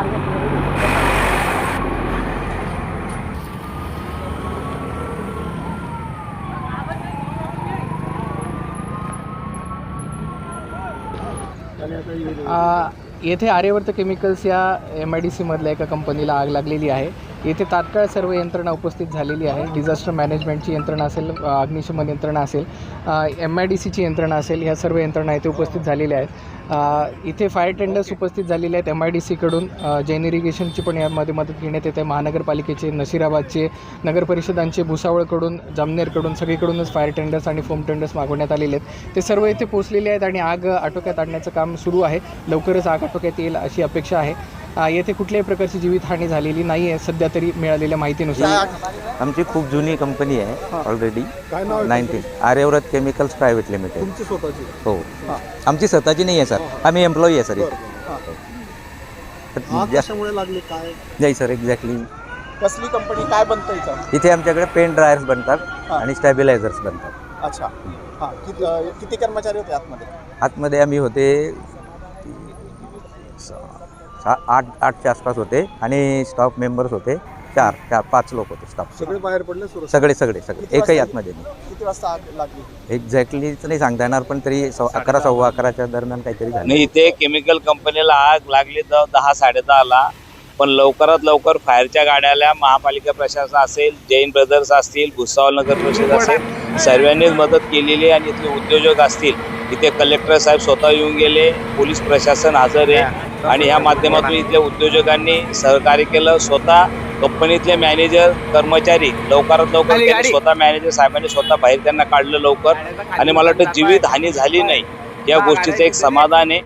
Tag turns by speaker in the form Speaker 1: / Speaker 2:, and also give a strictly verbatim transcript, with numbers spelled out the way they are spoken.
Speaker 1: आ, येथे आर्यवर्त केमिकल्स या M I D सीमधल्या एका कंपनीला आग लागलेली आहे. येथे तात्काळ सर्व यंत्रणा उपस्थित झालेली आहे. डिझास्टर मॅनेजमेंटची यंत्रणा असेल, अग्निशमन यंत्रणा असेल, एम आय डी सीची यंत्रणा असेल, ह्या सर्व यंत्रणा येथे उपस्थित झालेल्या आहेत. इथे फायर टेंडर्स उपस्थित झालेले आहेत. एम आय डी सीकडून जैन इरिगेशनची पण यामध्ये मदत घेण्यात येते. महानगरपालिकेचे, नशिराबादचे, नगर परिषदांचे, भुसावळकडून, जामनेरकडून सगळीकडूनच फायर टेंडर्स आणि फोम टेंडर्स मागवण्यात आलेले आहेत. ते सर्व इथे पोहोचलेले आहेत आणि आग आटोक्यात आणण्याचं काम सुरू आहे. लवकरच आग आटोक्यात येईल अशी अपेक्षा आहे. येथे कुठल्याही प्रकारची जीवितहानी झालेली नाही आहे सध्या तरी मिळालेल्या माहितीनुसार.
Speaker 2: आमची खूप जुनी कंपनी आहे already, nineteen Aryavrat chemicals private limited.
Speaker 3: तुमची स्वतःची?
Speaker 2: हो, आमची स्वतःची नाही आहे सर, आम्ही एम्प्लॉई आहे सर.
Speaker 3: कशामुळे लागली काय?
Speaker 2: नाही सर, एक्झॅक्टली.
Speaker 3: कसली कंपनी, काय बनतं इथं?
Speaker 2: इथे आमच्याकडे पेन ड्रायर्स बनतात आणि स्टॅबिलायझर्स बनतात.
Speaker 3: अच्छा, हां. किती किती कर्मचारी होते आतमध्ये?
Speaker 2: आतमध्ये आम्ही होते आठ आठच्या आसपास होते आणि स्टाफ मेंबर्स होते चार चार पाच लोक होते स्टाफ.
Speaker 3: सगळे बाहेर पडले?
Speaker 2: सगळे सगळे सगळे एकही आतमध्ये नाही.
Speaker 3: किती वाजता आग लागली?
Speaker 2: एक्झॅक्टलीच नाही सांगता येणार, पण तरी अकरा सव्वा अकराच्या दरम्यान काहीतरी झालं.
Speaker 4: नाही, इथे केमिकल कंपनीला आग लागली तर दहा साडे दहाला, पण लवकरात लवकर फायरच्या गाड्या आल्या. महापालिका प्रशासन असेल, जैन ब्रदर्स असतील, भुसावळ नगर परिषद असेल, सर्वांनीच मदत केलेली आहे. आणि इथले उद्योजक असतील, इथे कलेक्टर साहेब स्वतः येऊन गेले, पोलीस प्रशासन हजर आहे आणि ह्या माध्यमातून इथल्या उद्योजकांनी सहकार्य केलं. स्वतः कंपनीतले मॅनेजर, कर्मचारी लवकरात लवकर स्वतः मॅनेजर साहेबांनी स्वतः बाहेर त्यांना काढलं लवकर. आणि मला वाटतं जीवित हानी झाली नाही, या गोष्टीचं एक समाधान आहे.